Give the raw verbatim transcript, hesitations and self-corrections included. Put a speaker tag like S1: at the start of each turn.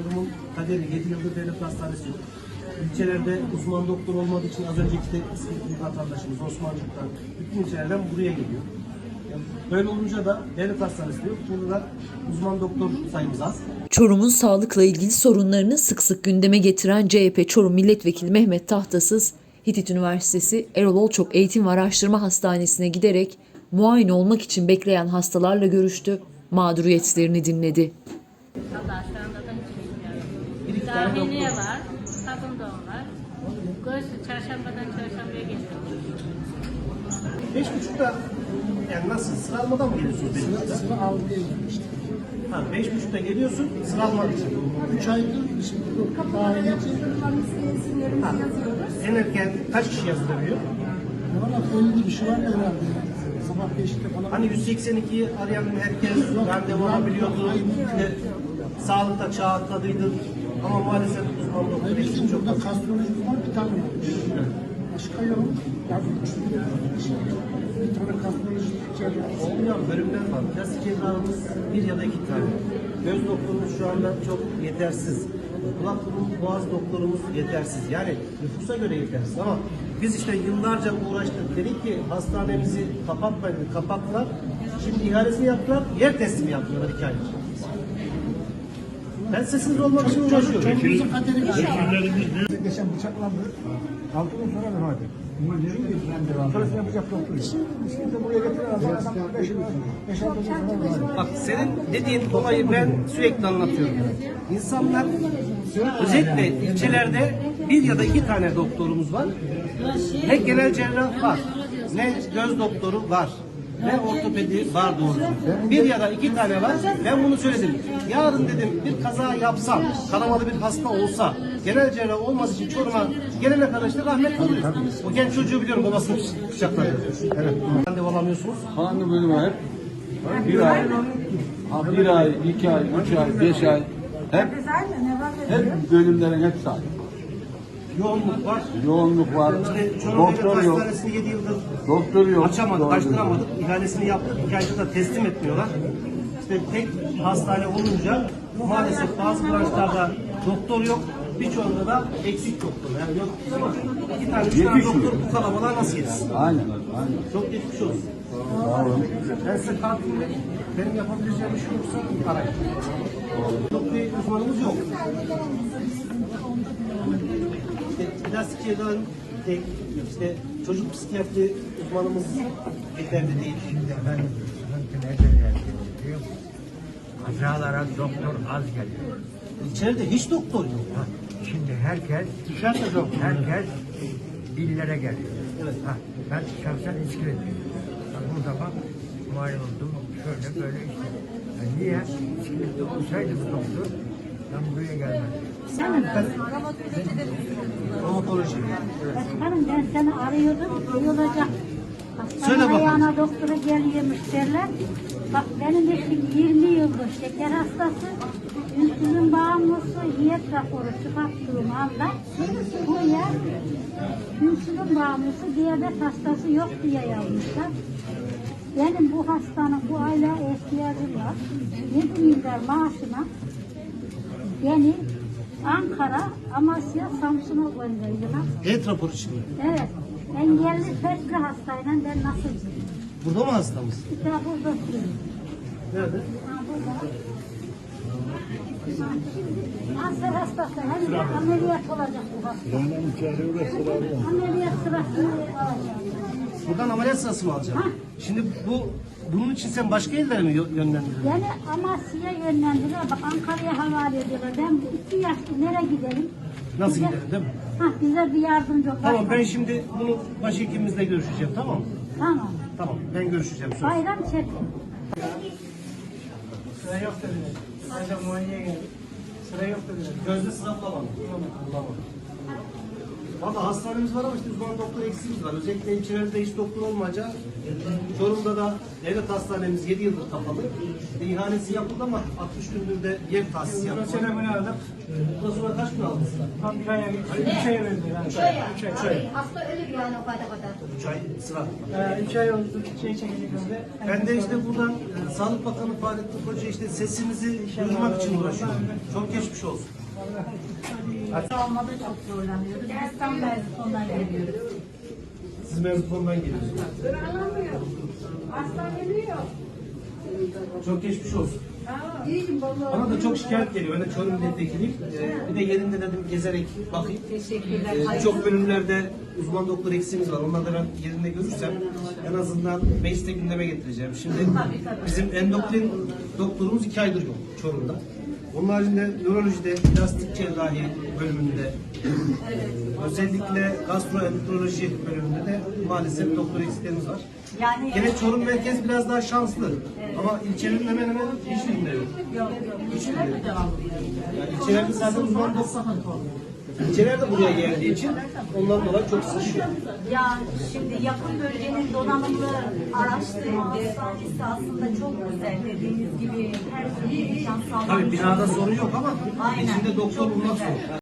S1: Çorum'un kaderi yedi yıldır devlet hastanesi yok. İlçelerde uzman doktor olmadığı için az önceki de eski vatandaşımız Osmancık'tan bütün ilçelerden buraya geliyor. Yani böyle olunca da devlet hastanesi yok. Burada da uzman doktor sayımız az.
S2: Çorum'un sağlıkla ilgili sorunlarını sık sık gündeme getiren C H P Çorum Milletvekili Mehmet Tahtasız, Hitit Üniversitesi Erol Olçok Eğitim ve Araştırma Hastanesi'ne giderek muayene olmak için bekleyen hastalarla görüştü, mağduriyetlerini dinledi.
S3: Allah şu anda da hiç bilmiyorum. Dahiliye var, kadın doğum var. Göğsü çarşambadan çarşambaya geliyor.
S1: Beş buçukta yani nasıl sıralamadan mı geliyorsunuz?
S4: Sıra, sıra almaya girmiştim.
S1: Ha, beş buçukta geliyorsun sıralama için.
S4: Üç aydır şimdi yok. Dahiliyeci.
S1: Ha, en erken kaç kişi yazılabiliyor?
S4: Valla belli bir şey var herhalde. Sabah beşte falan.
S1: Hani yüz seksen ikiyi arayan herkes randevu alabiliyordu. İşte sağlıkta çağ atladıydı. Ama maalesef uzman doktor
S4: Bizim
S1: için çok
S4: burada
S1: az.
S4: kastroloji var bir tane var. Başka yok. Yani bir tane kastroloji cerrahı.
S1: Olmuyor, bölümler var. Plastik cerrahımız bir ya da iki tane. Göz doktorumuz şu anda çok yetersiz. Kulak burun boğaz doktorumuz yetersiz. Yani nüfusa göre yetersiz ama biz işte yıllarca uğraştık. Dedik ki hastanemizi kapatmayın, kapattılar. Şimdi ihalesini yaptılar, yer teslimi yaptılar iki aydır. Ben sessiz olmak için uğraşıyorum.
S4: Çocuğumuzun kaderi galiba. Geçen bıçaklandı. Altı gün sonra vefat etti. Sonrasında yapacak doktor yok. Şimdi buraya getiren adam adam beş yıl beş altı gün sonra vefat etti.
S1: Bak senin dediğin olayı ben sürekli anlatıyorum. İnsanlar özellikle ilçelerde bir ya da iki tane doktorumuz var. Ne genel cerrah var, ne göz doktoru var, ne ortopedi var doğrusu. Bir ya da iki tane var. Ben bunu söyledim. Yarın dedim bir kaza yapsam, kanamalı bir hasta olsa, genel cerrah olması için Çorum'a gelene kadar işte rahmet oluyor. O genç çocuğu biliyorum babasını bıçakladı. Evet. Randevu alamıyorsunuz.
S5: Hangi bölüm hep? Bir ay, bir ay, iki ay, üç ay, beş ay. Hep, hep bölümlerin hepsi aynı.
S1: Yoğunluk var.
S5: Yoğunluk var,
S1: İşte Çorum
S5: doktor
S1: Devlet
S5: yok,
S1: Hastanesi'ni yedi yıldır
S5: doktor yok.
S1: açamadık,
S5: Doğru.
S1: açtıramadık. İhalesini yaptık. İki ayda da teslim etmiyorlar. İşte tek hastane olunca maalesef bazı branşlarda doktor yok. Birçoğunda da eksik doktor. Yani yok ama iki tane, üç tane
S5: Yetişmiyor.
S1: doktor bu kalabalığa nasıl yetişsin?
S5: Aynen, aynen.
S1: Çok geçmiş olsun.
S5: Sağ olun.
S1: Ben size kartımı vereyim. Benim yapabileceğim bir şey yoksa arayın. Çok bir uzmanımız yok. İşte plastik cerrahın tek, işte çocuk psikiyatri uzmanımız yeterli değil.
S6: Ben sıkıntı nereden geliyor biliyor musun? Kazalara doktor az geliyor.
S1: İçeride hiç doktor yok.
S6: Ha, şimdi herkes,
S1: Dışarıda doktor.
S6: herkes dillere geliyor.
S1: Evet.
S6: Ha, ben şahsen İskilip'teyim. Ben burada bak, muayene oldum, şöyle böyle işte. Yani niye? İskilip'te olsaydı bu doktor, ben buraya gelmezdim.
S1: Romatoloji.
S7: Başkanım ben seni arıyordum, iyi olacak. Hastanın
S1: Söyle bakalım.
S7: ayağına doktora geliyormuş derler. Bak benim eşim yirmi yıldır şeker hastası, insülin bağımlısı, diyet raporu çıkarttığım anda buraya insülin bağımlısı, diyabet hastası yok diye yazmışlar. Benim bu hastanın bu aylığa ihtiyacım var. yedi milyar maaşına beni Ankara, Amasya, Samsun'a gönderdiler.
S1: Et raporu için.
S7: Evet. Engelli felçli hastayla ben nasıl gideyim?
S1: Burada mı hastamız?
S7: Bir daha burada oturuyorum.
S1: Nerede?
S7: Ha burada. Ha, şimdi kanser hastası hem de ameliyat olacak bu hasta. Ameliyat sırasını alacağım.
S1: Buradan ameliyat sırası mı alacağım?
S7: Ha.
S1: Şimdi bu bunun için sen başka illere mi yö- yönlendiriyorsun?
S7: Yani Amasya'ya yönlendiler. Bak Ankara'ya havale ediyorlar. Ben bu iki yaşlı nereye gidelim?
S1: Nasıl
S7: Bize-
S1: gidelim değil mi?
S7: Ha, bize bir yardımcı ol.
S1: Tamam ben şimdi bunu başhekimimizle görüşeceğim tamam mı?
S7: Tamam.
S1: Tamam ben görüşeceğim. Söz.
S7: Bayram çekin.
S1: Sıra yok dediler. Sadece muayeneye geldik. Sıra yok dediler. Gözde sıra bulamadım. Bulamadım. Valla hastanemiz var ama işte uzman doktor eksiğimiz var. Özellikle ilçelerde hiç doktor olmayınca Çorum'da da devlet hastanemiz yedi yıldır kapalı. E, ihalesi yapıldı ama altmış gündür de yer tahsis yapıldı.
S4: Selamını aldık.
S1: Bundan sonra kaç gün aldınız?
S4: Tam bir aya, üç aya verdi. Üç ay. Üç ay. Üç ay.
S8: Hasta ölür yani o kadar kadar.
S1: üç ay sıra.
S4: Ee, üç ay oldu. Şey çekecek oldu.
S1: Ben de işte buradan e, Sağlık Bakanı Fahrettin Koca işte sesimizi duyurmak için uğraşıyorum. Çok geçmiş olsun.
S8: Olmada çok zorlanıyoruz. Biz tam Merzifon'dan geliyoruz.
S1: Siz Merzifon'dan geliyorsunuz.
S8: Hasta geliyor.
S1: Çok geçmiş olsun.
S8: İyiyim vallahi.
S1: Bana da çok şikayet geliyor. Ben de Çorum milletvekiliyim. Ee, bir de yerinde dedim gezerek bakayım.
S8: Teşekkürler.
S1: Ee, Birçok bölümlerde uzman doktor eksiğimiz var. Onları da ben yerinde görürsem en azından mecliste gündeme getireceğim. Şimdi bizim endokrin doktorumuz iki aydır yok Çorum'da. Onun haricinde nörolojide, plastik cerrahi bölümünde, özellikle gastroenteroloji bölümünde de maalesef doktor eksiklerimiz var.
S8: Yani
S1: Gene Çorum merkez biraz daha şanslı. Ama ilçelerin hemen hemen hiçbirinde yok.
S8: yok yok. İşler mi devam ediyor?
S1: Yani ilçelerde zaten uzman doktor. İlçeler de buraya geldiği için ondan dolayı çok sıkışıyor.
S8: Ya şimdi yakın bölgenin donanımlı araştırma hastanesi aslında çok güzel. Dediğiniz gibi her türlü imkan sağlanmış.
S1: Tabii binada sorun yok ama
S8: Aynen.
S1: içinde doktor
S8: Çok
S1: bulmak
S8: güzel.
S1: zor.